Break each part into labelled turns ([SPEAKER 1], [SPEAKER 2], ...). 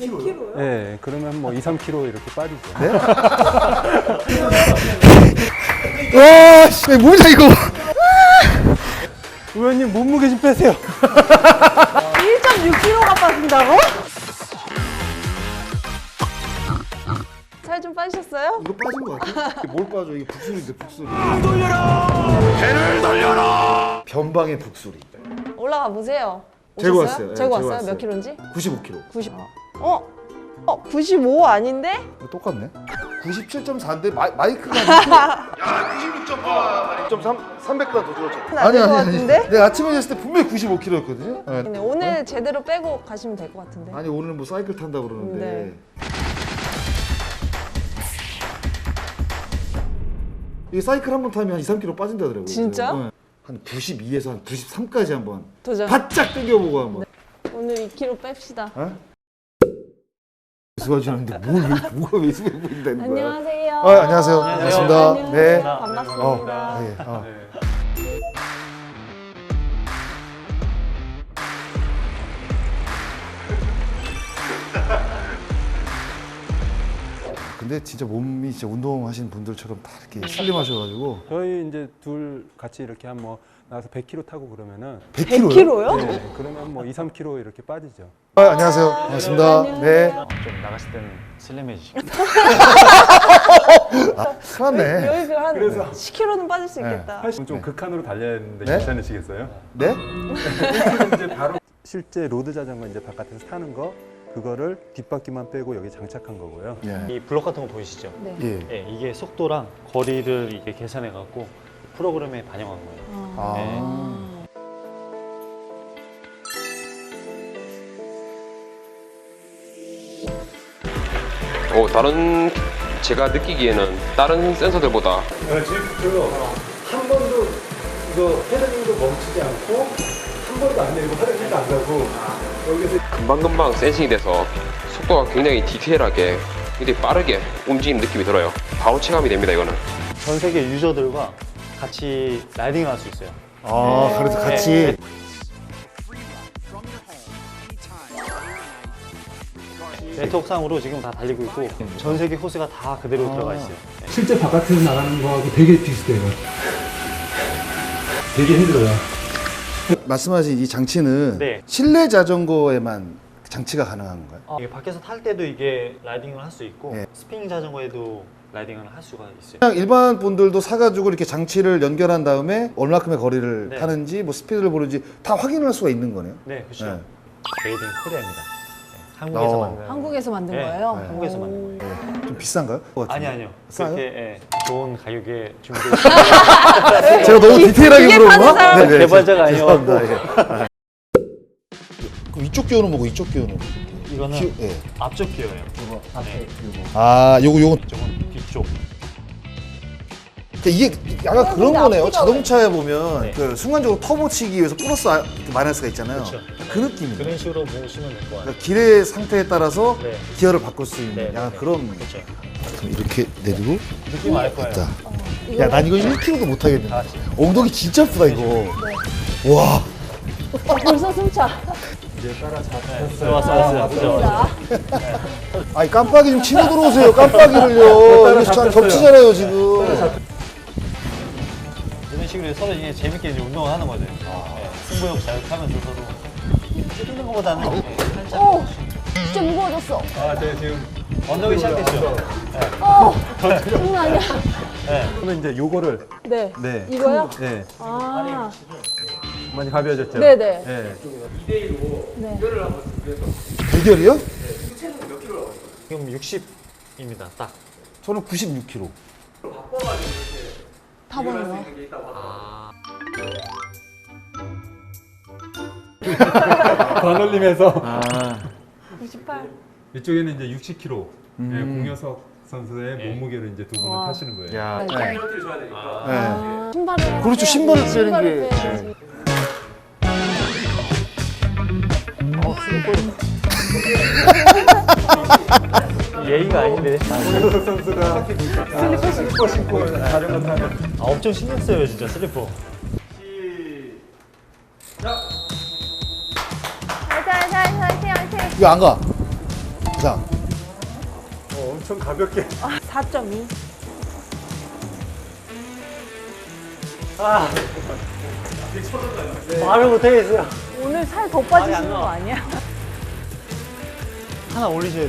[SPEAKER 1] 100kg요?
[SPEAKER 2] 네, 그러면 뭐 2, 3kg 이렇게 빠지죠.
[SPEAKER 3] 네? 와, 씨, 뭐냐 이거?
[SPEAKER 2] 의원님 몸무게 좀 빼세요.
[SPEAKER 1] 1.6kg가 빠진다고? 살 좀 빠지셨어요?
[SPEAKER 3] 이거 빠진 거 같아? 이게 뭘 빠져? 이게 북소리인데 북소리.
[SPEAKER 4] 배를 돌려라.
[SPEAKER 3] 변방의 북소리.
[SPEAKER 1] 올라가 보세요.
[SPEAKER 3] 재고
[SPEAKER 1] 오셨어요?
[SPEAKER 3] 왔어요. 네,
[SPEAKER 1] 재고
[SPEAKER 3] 재고
[SPEAKER 1] 왔어요?
[SPEAKER 3] 왔어요.
[SPEAKER 1] 몇 킬로인지?
[SPEAKER 3] 95kg.
[SPEAKER 1] 90. 95 아닌데?
[SPEAKER 3] 똑같네. 97.4인데 마이크가 야 96.8, 300g 더 줄었죠.
[SPEAKER 1] 아닐 것 같은데?
[SPEAKER 3] 내가 아침에 잤을 때 분명히 95kg였거든요.
[SPEAKER 1] 근데 오늘 제대로 빼고 가시면 될 것 같은데.
[SPEAKER 3] 아니 오늘 뭐 사이클 탄다 그러는데.
[SPEAKER 1] 네.
[SPEAKER 3] 이게 사이클 한 번 타면 한 2, 3kg 빠진다더라고요.
[SPEAKER 1] 진짜?
[SPEAKER 3] 네. 한 92에서 한 93까지 한번
[SPEAKER 1] 도전.
[SPEAKER 3] 바짝 당겨보고 한번.
[SPEAKER 1] 오늘 2kg 뺍시다.
[SPEAKER 3] 어? 수고하시는데 뭐가 왜 수고 보인다는 거야?
[SPEAKER 1] 안녕하세요.
[SPEAKER 3] 안녕하세요. 반갑습니다.
[SPEAKER 1] 안녕하세요.
[SPEAKER 3] 네.
[SPEAKER 1] 반갑습니다.
[SPEAKER 3] 네. 근데 진짜 몸이 진짜 운동하시는 분들처럼 다 이렇게 슬림하셔가지고
[SPEAKER 2] 저희 이제 둘 같이 이렇게 한 뭐 나가서 100kg 타고 그러면은
[SPEAKER 3] 100kg요?
[SPEAKER 1] 100kg요?
[SPEAKER 2] 네, 그러면 뭐 2, 3kg 이렇게 빠지죠.
[SPEAKER 3] 안녕하세요. 반갑습니다. 네.
[SPEAKER 5] 좀 나가실 때는 슬림해지시고.
[SPEAKER 3] 큰일 났네.
[SPEAKER 1] 여기가 한 10kg는 빠질 수 있겠다.
[SPEAKER 2] 좀 극한으로 달려야 되는데
[SPEAKER 3] 네?
[SPEAKER 2] 괜찮으시겠어요?
[SPEAKER 3] 네?
[SPEAKER 2] 이제 바로 실제 로드 자전거 이제 바깥에서 타는 거 그거를 뒷바퀴만 빼고 여기 장착한 거고요.
[SPEAKER 3] 예.
[SPEAKER 5] 이 블록 같은 거 보이시죠?
[SPEAKER 1] 네.
[SPEAKER 3] 예.
[SPEAKER 5] 예, 이게 속도랑 거리를 이게 계산해 갖고 프로그램에 반영한 거예요.
[SPEAKER 3] 아.
[SPEAKER 4] 다른 제가 느끼기에는 다른 센서들보다
[SPEAKER 2] 한 번도 이거 헤드링도 멈추지 않고 한 번도 안 내리고 헤드링도 안 가고 여기서
[SPEAKER 4] 금방금방 센싱이 돼서 속도가 굉장히 디테일하게 굉장히 빠르게 움직이는 느낌이 들어요. 바로 체감이 됩니다, 이거는.
[SPEAKER 5] 전 세계 유저들과 같이 라이딩을 할 수 있어요.
[SPEAKER 3] 아, 그래서 같이.
[SPEAKER 5] 네. 네트워크상으로 지금 다 달리고 있고 전 세계 호스가 다 그대로 들어가 있어요.
[SPEAKER 6] 실제 바깥에서 나가는 거하고 되게 비슷해요. 되게 힘들어요.
[SPEAKER 3] 말씀하신 이 장치는
[SPEAKER 5] 네.
[SPEAKER 3] 실내 자전거에만 장치가 가능한 건가요?
[SPEAKER 5] 이게 밖에서 탈 때도 이게 라이딩을 할 수 있고
[SPEAKER 3] 네.
[SPEAKER 5] 스피닝 자전거에도 라이딩을 할 수가 있어요.
[SPEAKER 3] 그냥 일반 분들도 사가지고 이렇게 장치를 연결한 다음에 얼마큼의 거리를
[SPEAKER 5] 네.
[SPEAKER 3] 타는지 뭐 스피드를 보는지 다 확인할 수가 있는 거네요.
[SPEAKER 5] 네, 그렇죠.
[SPEAKER 3] 네.
[SPEAKER 5] 메이드 인 코리아입니다. 네, 한국에서 만든.
[SPEAKER 1] 한국에서 만든
[SPEAKER 5] 네,
[SPEAKER 1] 거예요?
[SPEAKER 5] 한국에서 만든 거예요.
[SPEAKER 3] 좀 비싼가요? 그거 같은데.
[SPEAKER 5] 아니요.
[SPEAKER 3] 싸요?
[SPEAKER 5] 그렇게 예, 좋은 가격에 준비되어 있어요.
[SPEAKER 3] 제가 너무 디테일하게
[SPEAKER 1] 기계
[SPEAKER 3] 물어본
[SPEAKER 1] 파는
[SPEAKER 3] 거?
[SPEAKER 1] 사람.
[SPEAKER 5] 개발자가 아니어갖고.
[SPEAKER 3] 죄송합니다. 예. 그럼 이쪽 기어는 뭐고 이쪽 기어는?
[SPEAKER 5] 이거는
[SPEAKER 3] 예.
[SPEAKER 5] 앞쪽 기어예요. 네,
[SPEAKER 3] 아, 요건
[SPEAKER 5] 이쪽은 뒤쪽.
[SPEAKER 3] 그러니까 이게 약간 그런
[SPEAKER 1] 근데
[SPEAKER 3] 거네요.
[SPEAKER 1] 앞뒤가
[SPEAKER 3] 자동차에 보면
[SPEAKER 5] 네.
[SPEAKER 3] 그 순간적으로 터보 치기 위해서 플러스 마이너스가 있잖아요.
[SPEAKER 5] 그렇죠.
[SPEAKER 3] 그 느낌이에요.
[SPEAKER 5] 그런 식으로 보시면 될 것 같아요.
[SPEAKER 3] 그러니까 길의 상태에 따라서
[SPEAKER 5] 네.
[SPEAKER 3] 기어를 바꿀 수 있는
[SPEAKER 5] 네,
[SPEAKER 3] 약간
[SPEAKER 5] 네.
[SPEAKER 3] 그런.
[SPEAKER 5] 그렇죠.
[SPEAKER 3] 그럼 이렇게 내리고
[SPEAKER 5] 느낌 알 거예요.
[SPEAKER 3] 자. 야, 난 이거 1kg도 못 하겠는데.
[SPEAKER 5] 다 같이.
[SPEAKER 3] 엉덩이 진짜 아프다 이거. 와.
[SPEAKER 1] 벌써 숨차.
[SPEAKER 5] 네, 왔어요. 그죠?
[SPEAKER 3] 아니 깜빡이 좀 치고 들어오세요. 깜빡이를요. 이거 잘 겹치잖아요 지금.
[SPEAKER 5] 이런 식으로 서로 이제 재밌게 이제 운동을 하는 거죠. 네, 승부욕 자극하면서 서로 뛰는 것보다는 네, 살짝.
[SPEAKER 1] 오! 진짜 무거워졌어.
[SPEAKER 2] 네, 지금
[SPEAKER 5] 언덕이 시작됐죠.
[SPEAKER 1] 장난 아니야.
[SPEAKER 2] 그러면 이제 요거를
[SPEAKER 1] 네.
[SPEAKER 2] 네.
[SPEAKER 1] 이거요?
[SPEAKER 2] 네.
[SPEAKER 1] 아.
[SPEAKER 2] 많이 가벼워졌죠?
[SPEAKER 1] 네네.
[SPEAKER 2] 네.
[SPEAKER 3] 대결이요?
[SPEAKER 5] 지금 60입니다. 딱.
[SPEAKER 3] 저는 96kg.
[SPEAKER 1] 타보는 거.
[SPEAKER 2] 반올림해서
[SPEAKER 1] 98.
[SPEAKER 2] 이쪽에는 이제 60kg 공효석 선수의 몸무게를 이제 두 분은
[SPEAKER 1] 와.
[SPEAKER 2] 타시는 거예요.
[SPEAKER 3] 야.
[SPEAKER 1] 네.
[SPEAKER 3] 네.
[SPEAKER 1] 신발을.
[SPEAKER 3] 그렇죠, 신발을 빼는 게.
[SPEAKER 1] 빼야지.
[SPEAKER 5] 예의가 아닌데.
[SPEAKER 2] 공효석 선수가 슬리퍼 신고 자전거 타는
[SPEAKER 5] 아, 엄청 신경 써요, 진짜 슬리퍼.
[SPEAKER 1] 화이팅, 화이팅, 화이팅, 화이팅.
[SPEAKER 3] 왜 안 가? 자,
[SPEAKER 2] 엄청 가볍게.
[SPEAKER 1] 4.2.
[SPEAKER 5] 말을 못하겠어요.
[SPEAKER 1] 오늘 살 더
[SPEAKER 5] 말이
[SPEAKER 1] 빠지시는
[SPEAKER 5] 안
[SPEAKER 1] 거
[SPEAKER 5] 나와.
[SPEAKER 1] 아니야?
[SPEAKER 5] 하나 올리셔야 돼.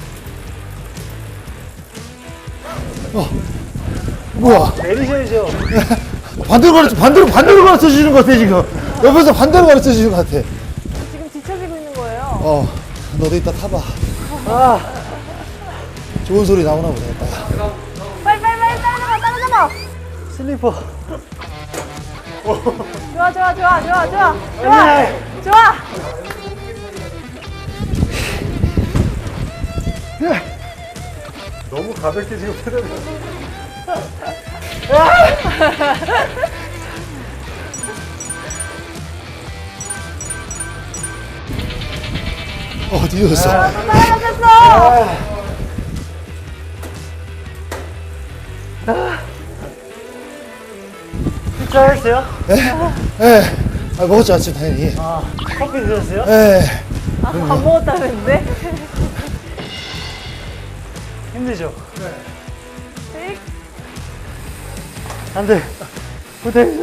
[SPEAKER 3] 뭐야?
[SPEAKER 5] 내리셔야죠.
[SPEAKER 3] 반대로 가르쳐 주시는 것 같아, 지금. 옆에서 반대로 가르쳐 주시는 것 같아.
[SPEAKER 1] 지금 뒤처지고 있는 거예요.
[SPEAKER 3] 너도 이따 타봐. 좋은 소리 나오나 보다, 이따.
[SPEAKER 1] 빨리 따라잡아.
[SPEAKER 5] 슬리퍼.
[SPEAKER 1] 좋아.
[SPEAKER 2] 너무 가볍게 지금 페달을.
[SPEAKER 3] 뒤졌어.
[SPEAKER 1] 따라잡혔어.
[SPEAKER 5] 식사했어요?
[SPEAKER 3] 먹었지, 아침 당연히.
[SPEAKER 5] 커피 드셨어요?
[SPEAKER 1] 밥 먹었다는데?
[SPEAKER 5] 힘드죠?
[SPEAKER 1] 네.
[SPEAKER 5] 안 돼. 못하겠어.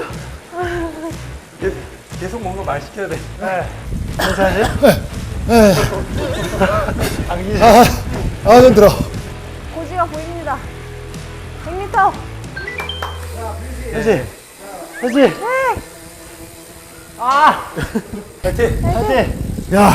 [SPEAKER 2] 계속 뭔가 말 시켜야 돼.
[SPEAKER 5] 괜찮으세요? 안기시
[SPEAKER 3] 눈 들어.
[SPEAKER 1] 고지가 보입니다. 100m.
[SPEAKER 5] 그렇지. 그렇지. 파이팅.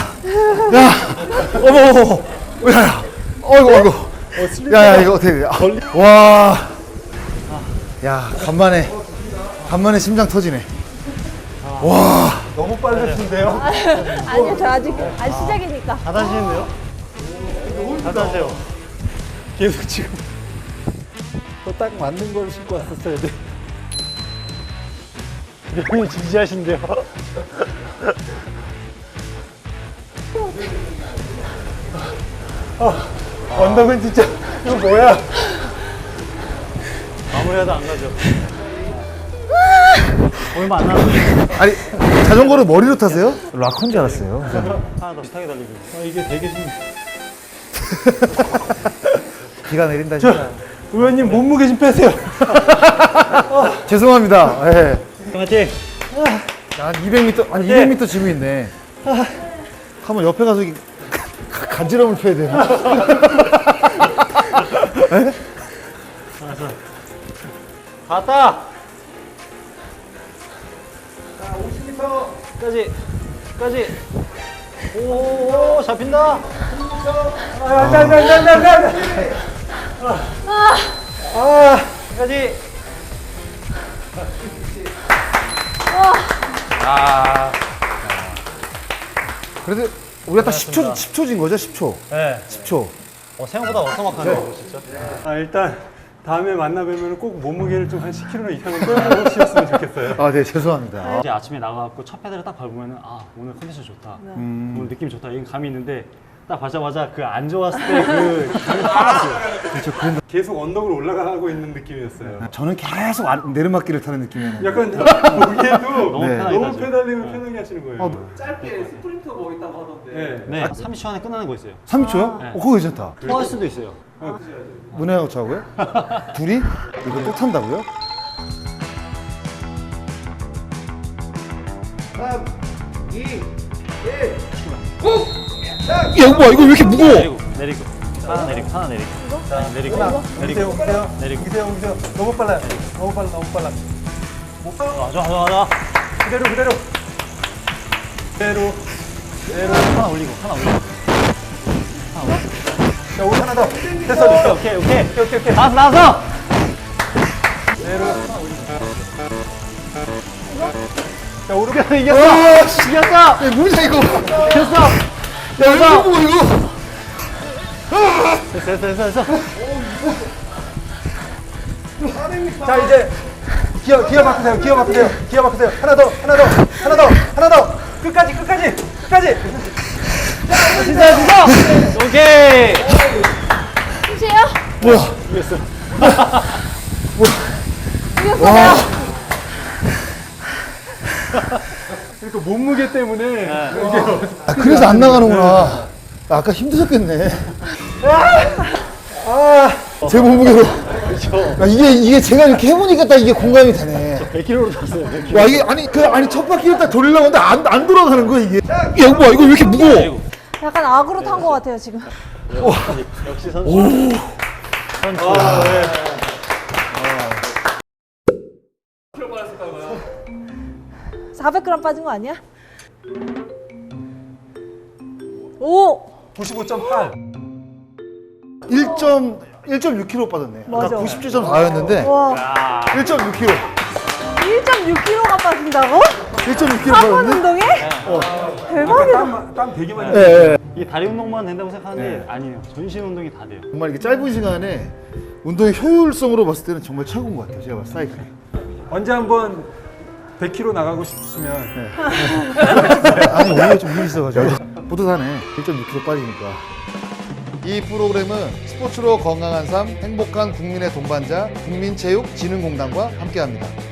[SPEAKER 3] 어머. 야. 어이구. 야, 이거 어떻게 돼? 와. 야, 간만에 심장 터지네. 와.
[SPEAKER 2] 너무 빨르신데요?
[SPEAKER 1] 아니요, 저 아직 시작이니까.
[SPEAKER 5] 다 다시는데요? 다 다세요.
[SPEAKER 2] 계속 지금. 딱 맞는 걸 신고 왔었어야 돼.
[SPEAKER 5] 형이 진지하신데요?
[SPEAKER 2] 언덕은 진짜, 이거 뭐야?
[SPEAKER 5] 마무리하다 안 가죠. 얼마 안 남았어요.
[SPEAKER 3] 아니, 자전거를 머리로 타세요? 락커인 줄 알았어요.
[SPEAKER 5] 하나 더 비슷하게 달리고.
[SPEAKER 2] 이게 되게 좀.
[SPEAKER 3] 비가 내린다, 진짜.
[SPEAKER 2] 의원님 몸무게 좀 빼세요.
[SPEAKER 3] 죄송합니다.
[SPEAKER 5] 파이팅.
[SPEAKER 3] 한 200m 짐이 있네. 한번 옆에 가서 간지럼을 펴야 되나?
[SPEAKER 5] 갔다. 자, 50m까지. 오, 잡힌다. 까지.
[SPEAKER 3] 그래도 우리가 딱 10초 진 거죠? 10초.
[SPEAKER 5] 네.
[SPEAKER 3] 10초.
[SPEAKER 5] 생각보다 어서막하네요, 진짜.
[SPEAKER 2] 일단 다음에 만나 뵈면 꼭 몸무게를 좀 한 10kg 이상은 빼주셨으면 좋겠어요.
[SPEAKER 3] 네, 죄송합니다.
[SPEAKER 5] 이제 아침에 나가갖고 첫 페달을 딱 밟으면 오늘 컨디션 좋다. 오늘 느낌 좋다. 이런 감이 있는데 딱 밟자마자 그 안 좋았을 때 그 감이 확 왔어요.
[SPEAKER 2] 계속 언덕을 올라가고 있는 느낌이었어요.
[SPEAKER 3] 저는 계속 내리막길을 타는 느낌이에요.
[SPEAKER 2] 약간 보기에도
[SPEAKER 5] 너무
[SPEAKER 3] 네.
[SPEAKER 5] 편하게
[SPEAKER 2] 너무
[SPEAKER 5] 가죠.
[SPEAKER 2] 페달링을 편하게 하시는 거예요.
[SPEAKER 7] 짧게 스프린트 뭐 있다고 하던데.
[SPEAKER 2] 네.
[SPEAKER 5] 네. 30초 안에 끝나는 거 있어요.
[SPEAKER 3] 3초요?
[SPEAKER 5] 네.
[SPEAKER 3] 그거 괜찮다.
[SPEAKER 5] 토할 수도 있어요.
[SPEAKER 3] 문혜하고 저하고요? 둘이? 이거 또 탄다고요?
[SPEAKER 7] 3, 2, 1.
[SPEAKER 3] 야, 이거 봐. 이거 왜 이렇게 무거워?
[SPEAKER 5] 내리고. 하나 내리고. 자, 내리고.
[SPEAKER 2] 오세요. 너무 빨라요. 너무 빨라.
[SPEAKER 5] 좋아.
[SPEAKER 2] 그대로.
[SPEAKER 5] 하나 올리고.
[SPEAKER 2] 자, 옷 하나 더. 됐어.
[SPEAKER 5] 오케이. 나왔어.
[SPEAKER 2] 자, 오른쪽
[SPEAKER 5] 이겼어.
[SPEAKER 3] 야, 뭐냐, 이거.
[SPEAKER 5] 됐어.
[SPEAKER 3] 야, 이거 보고 이거.
[SPEAKER 5] 됐어.
[SPEAKER 2] 자, 이제 기어 바꾸세요. 하나 더. 끝까지.
[SPEAKER 5] 진짜. 오케이.
[SPEAKER 1] 끝이에요?
[SPEAKER 3] 뭐야.
[SPEAKER 1] 이겼어요.
[SPEAKER 2] 그러니까 몸무게 때문에
[SPEAKER 3] 그래서 안 나가는구나. 아까 힘드셨겠네. 제 몸무게로. 아, 이게 제가 이렇게 해보니까 딱 이게 공감이 되네.
[SPEAKER 5] 100kg로 탔어요. 100kg.
[SPEAKER 3] 와, 이게 아니 첫 바퀴를 딱 돌리려고 하는데 안 돌아가는 거야, 이게. 야, 이거 뭐야, 이거 왜 이렇게 무거워?
[SPEAKER 1] 약간 악으로 탄 것 같아요, 지금.
[SPEAKER 5] 역시 선수. 선수. 아, 네.
[SPEAKER 1] 400g 빠진 거 아니야? 오!
[SPEAKER 2] 95.8.
[SPEAKER 3] 1.6kg 빠졌네. 아까
[SPEAKER 1] 맞아.
[SPEAKER 3] 97.4였는데
[SPEAKER 1] 와,
[SPEAKER 3] 1.6kg.
[SPEAKER 1] 1.6kg가 빠진다고?
[SPEAKER 3] 1.6kg
[SPEAKER 1] 한 번
[SPEAKER 3] 빠졌네.
[SPEAKER 1] 운동에? 대박이다.
[SPEAKER 2] 땀 되게 많이
[SPEAKER 3] 예, 예.
[SPEAKER 5] 이게 다리 운동만 된다고 생각하는데 아니에요. 전신 운동이 다 돼요.
[SPEAKER 3] 정말 이게 짧은 시간에 운동의 효율성으로 봤을 때는 정말 최고인 것 같아요. 제가 봤을 때 사이클이.
[SPEAKER 2] 언제 한번 100km 나가고 싶으시면
[SPEAKER 3] 아니 오히려 좀 일이 있어가지고 뿌듯하네. 1.6kg 빠지니까. 이 프로그램은 스포츠로 건강한 삶, 행복한 국민의 동반자 국민체육진흥공단과 함께합니다.